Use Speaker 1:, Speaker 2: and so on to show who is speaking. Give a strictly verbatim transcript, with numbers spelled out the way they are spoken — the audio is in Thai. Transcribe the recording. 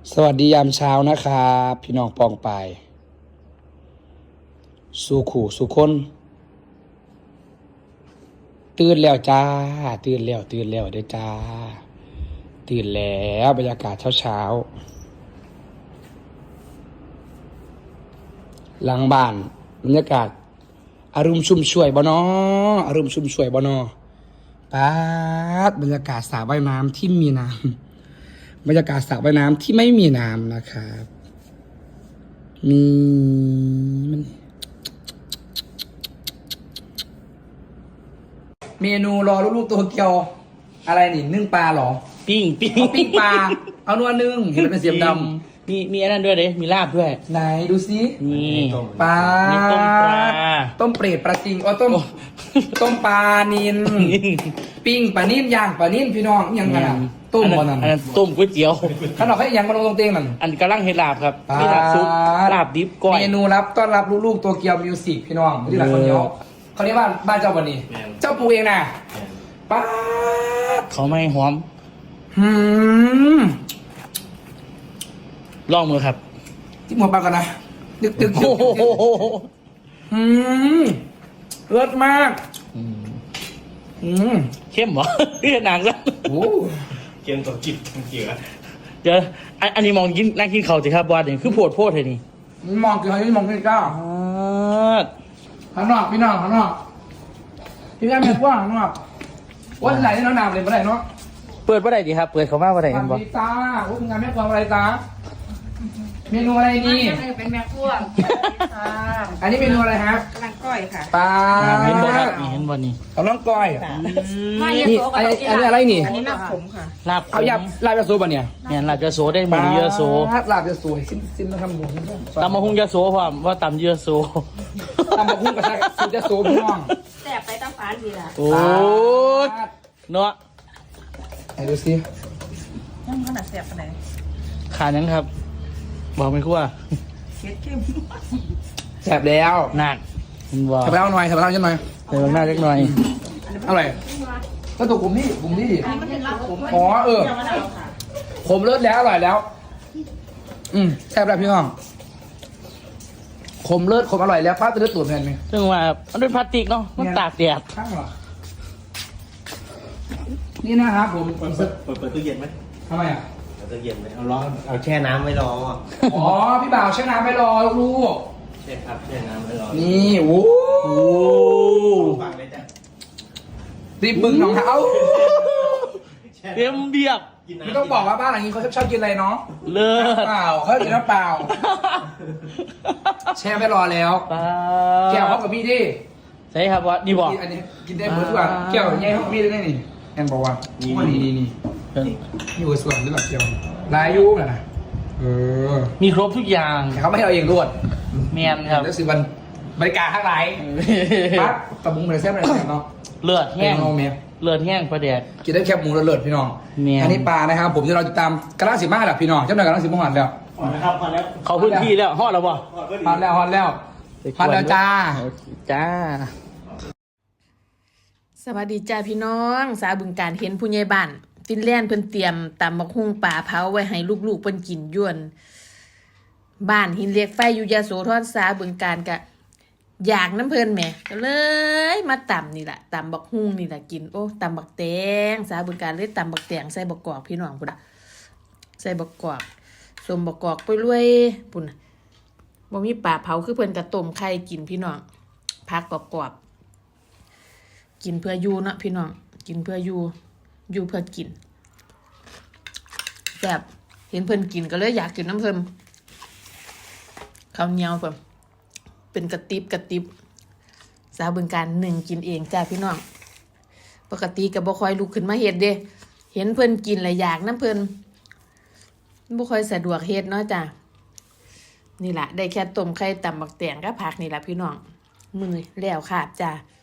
Speaker 1: สวัสดียามเช้านะครับพี่น้องปองไปสู่ขู่สู่คนตื่นแล้วจ้าตื่นแล้วตื่นแล้วเด้อจ้าตื่นแล้วบรรยากาศเช้าเช้าหลังบ้านบรรยากาศอารมณ์ชุ่มช่วยบ่นออารมณ์ชุ่มช่วยบ่นอป๊าดบรรยากาศสระว่ายน้ำที่มีน้ำบรรยากาศสระว่ายน้ำที่ไม่มีน้ำนะครับมีมันเมนูรอลูกๆตัวเกียวอะไรนี่นึ่งปลาเหรอ
Speaker 2: ปิ้งปิ้ง
Speaker 1: เอาปิ้งปลาเอานัวนึ่งเห็นมันเป็นเสียมดำ
Speaker 2: มีมีอันนั้นด้วยเด้มีลาบด้วย
Speaker 1: ไหนดูซิ
Speaker 2: นี่
Speaker 1: ปลา
Speaker 2: มีต้มปลา
Speaker 1: ต้มเปรตปลาจริงอ๋อต้มต้มปลานินปิ้งปลานิ่มย่างปลานิ่มพี่น้องยังไงอ่ะต้ม
Speaker 2: อั
Speaker 1: บอนั่น
Speaker 2: อันนั้นต้มก๋วยเตี๋ยว
Speaker 1: ขนมเขายังมาลงตรงเตียงนั่น
Speaker 2: อันกำลังเฮ็ดลาบครับ
Speaker 1: ปลา
Speaker 2: มีลาบซุปลาบดิบก้อย
Speaker 1: เมนูรับต้อนรับลูกๆตัวเกียวมิวสิกพี่น้องที่หลังคนเดียวเขาเรียกว่าบ้านเจ้าวันนี้ เจ้าปูเองนะป้าด
Speaker 2: เขาไม่หอม
Speaker 1: หืม
Speaker 2: ลองมือครับ
Speaker 1: ที่หัวปลากันนะตึกตึกตึ
Speaker 2: โอ้
Speaker 1: ก
Speaker 2: โห
Speaker 1: หืมเลิศมาก
Speaker 2: อืม
Speaker 1: หืม
Speaker 2: เข้มเหรอ เรียกนางซะ
Speaker 1: โอ้
Speaker 3: เกมตัวจิตทั้งเกียร์
Speaker 2: เดี๋ยวอันอันนี้มองกินนั่งกินข้าวสิครับบอสเนี่ยคือโพดโพดเลยนี่
Speaker 1: มองกี่คนนี่มองกี่ก้าว
Speaker 2: อ่า
Speaker 1: ข้างนอกพี่น้องข้างนอกพี่แม่แม่กว้างข้างนอกวันไหนที่น้องนามเลยเมื่อไหร่เนาะ
Speaker 2: เปิดว่าไรดีครับ เปิดเขามาว่าไร
Speaker 1: ส
Speaker 2: กันบ
Speaker 1: วั
Speaker 2: อ
Speaker 1: ส
Speaker 2: ส
Speaker 1: ดีจ้าว่าคุณงานแม่กวางอะไรจ้าเมนูอะไรนี่
Speaker 4: เป็นแม่ครัวค่ะ
Speaker 1: อันนี้เมนูอะไรฮะ
Speaker 4: กำลังก้อยค่ะ
Speaker 1: ปลา
Speaker 2: เห็นบอสนี่เห็นบอสนี่
Speaker 1: เอาน้องก้อย
Speaker 4: ไม่
Speaker 1: นี่อันนี้อันนี้อะไรนี่
Speaker 4: อันนี้น้ำขมค่ะ
Speaker 2: ลาบ
Speaker 1: เอายับลาบยาสูบะเนี่ย
Speaker 2: เนี่ยลาบยาโสได้หมูยาโส
Speaker 1: ปลาลาบยาสูซิมซิมมาทำหมู
Speaker 2: ตำมะฮุงยาโสพร้อมว่าตำยาโส
Speaker 1: ตำมะพุ่งกระชากสูตรยาสูพี่น้อง
Speaker 4: แสบไปตั้งฟ้าดีละ
Speaker 2: โอ้ยเนาะ
Speaker 1: ไหนดูสิ
Speaker 4: ยังขนาดแสบขนาด
Speaker 2: ขาดยังครับ บอกไม่คั่ว
Speaker 4: เค็ดเข้ม
Speaker 1: แสบแล้ว
Speaker 2: หนักมันว่า
Speaker 1: แสบแล้วหน่อยแสบแล้วใช่ไหม
Speaker 2: ใส่บางหน้าเล็กหน่อย
Speaker 1: เอาอะไรก็ตัวกลุ่มนี้กลุ่มนี้ดิ
Speaker 4: มันเป็นน้ำขม
Speaker 1: อ๋อเออ
Speaker 4: ยังไม่ได้ค่ะ
Speaker 1: ผมเลิศแล้วอร่อยแล้ว อืมแซ่บแล้วพี่น้องขมเลิศขมอร่อยแล้วป้าจะเลือดตูดแทนไหม
Speaker 2: ซึ่งว่ามันเป็นพลาสติกเนาะ มันตากแดด
Speaker 1: ข้างเหรอนี่นะครับผม
Speaker 3: เปิดเปิดเปิดเปิดตู้เย็นไหม
Speaker 1: ทำไมอ่ะ
Speaker 3: เปิดตู้เย็นไหมเอาร้อนเอาแช่น้ำไว้รอ
Speaker 1: อ๋อพี่บ่าวใช้น้ำไปรอลูก
Speaker 3: ใช่ครับแช่น้ำไว้รอ
Speaker 1: นี่โอ้
Speaker 2: โอ้
Speaker 3: ฟังเลยจ้ะ
Speaker 1: รีบบึ้งน้องเขา
Speaker 2: เต็มเบียบ
Speaker 3: กินน้ำ
Speaker 1: ไม่ต้องบอกว่าบ้านหลังนี้เขาชอบกินอะไรเนาะ
Speaker 2: เลิศ
Speaker 1: เปล่าเขากินน้ำเปล่า แช่ไปรอแล้ว
Speaker 2: ปลา
Speaker 1: แก้วเขากับพี่ดิ
Speaker 2: ใช่ครับว่าดีบอก
Speaker 1: กินอันนี้กินได้หมดทุกอย่างแก้วแย่เขากับพี่ได้นี่แอนบอกว่านี่นี่นี่นี่หัวส่วนหรือเปล่าแก้วลายยุน่ะนะเออ
Speaker 2: มีครบทุกอย่าง
Speaker 1: แต่เขาไม่ให้เราเองรวด
Speaker 2: แมนครับ
Speaker 1: แล้วสิวันบริการข้างไหนปั๊บตะบุงเหมือนแซ่บเลยเนาะ
Speaker 2: เลือด
Speaker 1: แห้
Speaker 2: แห้
Speaker 1: ง
Speaker 2: ง
Speaker 1: โนเมีย
Speaker 2: เลือดแห้งประแดด
Speaker 1: กินได้แคบหมูเลิศๆพี่น้อง
Speaker 2: แม่น
Speaker 1: อันนี้ปลานะครับ ผมจะเราติดตามกระลาสิมาแหละพี่น้องเจ้าหน้ายกระลาสิมาหันแล้ว
Speaker 3: พอแล้วครับพอแล้ว
Speaker 2: เขาพื้นที่แล้วฮอดแล้วบ่
Speaker 1: ฮอตแล้วฮอตแล้วฮอตแล้วจ้า
Speaker 2: จ้า
Speaker 4: สวัสดีจ้าพี่น้อง สาวบึงการเห็นผู้ใหญ่บ้านฟินแลนด์เพิ่นเตรียมตำบักหุ่งปลาเผาไว้ให้ลูกๆเพิ่นกินย้วน บ้านหินเหล็กไฟอยู่ยโสธรสาวบึงการกะอยากน้ำเพิ่นแหม่ก็เลยมาตำนี่แหละตำบักหุ่งนี่แหละกินโอ้ตำบักแตงสาวบึงการเลยตำบักแตงใส่บักกอกพี่น้องพุ่นน่ะใส่บักกอกสมบักกอกไปรวยพุ่นน่ะบ่มีปลาเผาคือเพิ่นกะต้มไข่กินพี่น้องพักกรอบๆกินเพื่ออยู่เนาะพี่น้องกินเพื่ออยู่อยู่เพื่อกินแบบเห็นเพิ่นกินก็เลยอยากกินน้ำเพิ่นข้าวเหนียวเพิ่นเป็นกระติบกระติบสาวบึงการหนึ่งกินเองจ้าพี่น้องปกติก็บ่ค่อยลุกขึ้นมาเฮ็ดเด้เห็นเพิ่นกินแล้วอยากน้ำเพิ่นบ่ค่อยสะดวกเฮ็ดเนาะจ้านี่ล่ะได้แค่ต้มไข่ตำบักแตงกับผักนี่ล่ะพี่น้องมื้อแล้วค่ะจ้า